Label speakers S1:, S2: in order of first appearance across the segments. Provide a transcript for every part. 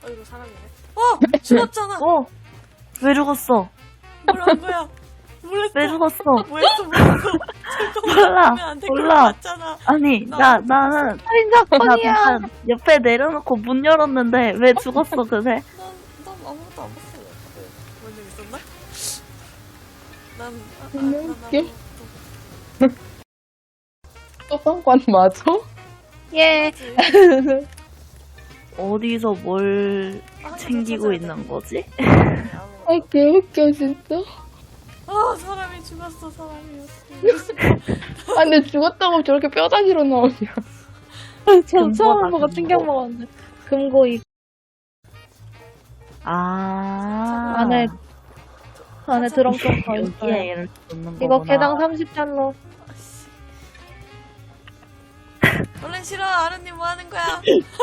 S1: 이거 사람이네. 죽었잖아.
S2: 왜 죽었어?
S1: 뭐란 거야? 몰랐어.
S2: 왜 죽었어?
S1: 뭐했어?
S2: 몰라.
S1: 맞잖아.
S2: 아니,
S1: 나-
S2: 나는
S3: 살인
S2: 나
S3: 사건이야.
S2: 잠깐 옆에 내려놓고 문 열었는데 왜 죽었어, 그새?
S1: 난 아무것도 안 봤어. 뭔일 있었나? 난
S3: 너무
S1: 난
S3: 웃겨.
S1: 아무것도
S3: 소방관 맞아? 예.
S1: 없지.
S2: 어디서 뭘
S1: 아,
S2: 챙기고
S1: 찾아야
S2: 있는
S1: 돼.
S2: 거지?
S3: 아, 개웃겨, 진짜.
S1: 사람이 죽었어, 사람이.
S3: 아, 근데 죽었다고 저렇게 뼈다귀로 나오냐.
S2: 금고다,
S3: 처음 보고
S2: 금고.
S3: 충격 먹었네. 금고 안에 드럼 좀 더
S2: 여기에
S3: 있어요.
S2: 얘를 넣는
S3: 이거
S2: 거구나.
S3: 개당 30달러.
S1: 원래 싫어, 아르님 뭐 하는 거야?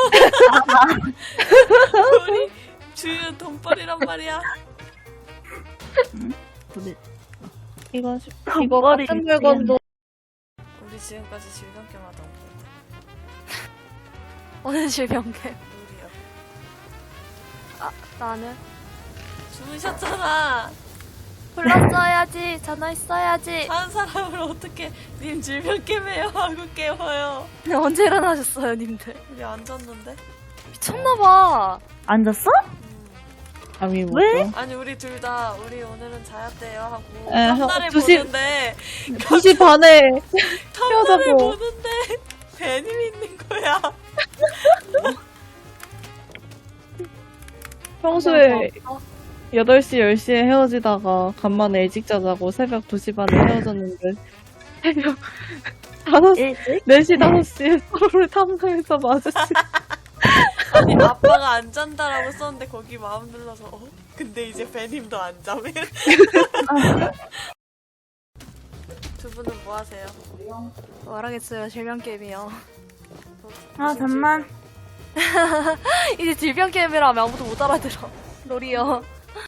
S1: 우리 주유 돈벌이란 말이야.
S2: 근데
S3: 이거
S2: 머리
S3: 같은 물건도
S1: 우리 지금까지 질병겸 하던 거.
S4: 어느 질병계?
S1: 우리요.
S4: 나는
S1: 주무셨잖아.
S4: 불렀어야지. 전화했어야지.
S1: 한 사람을 어떻게 님 질병겸해요 하고 깨워요.
S4: 언제 일어나셨어요, 님들?
S1: 우리 앉았는데.
S4: 미쳤나봐.
S2: 앉았어?
S3: 감이
S2: 왜?
S1: 아니 우리 둘 다 우리 오늘은 자야 돼요 하고
S3: 에,
S1: 탐나를
S3: 2시
S1: 보는데
S3: 2시 반에
S1: 탐나를
S3: 헤어져고.
S1: 보는데 배님이 있는 거야.
S3: 평소에 8시, 10시에 헤어지다가 간만에 일찍 자자고 새벽 2시 반에 헤어졌는데 새벽 5시,
S2: 일찍?
S3: 4시, 5시에 서로를 탐사해서 마주치.
S1: 아니 아빠가 안 잔다라고 썼는데 거기 마음 눌러서 근데 이제 배님도 안 자면 두 분은 뭐 하세요?
S4: 말하겠어요, 질병게임이요.
S2: 잠만.
S4: 이제 질병게임이라 하면 아무도 못 알아들어. 롤이요.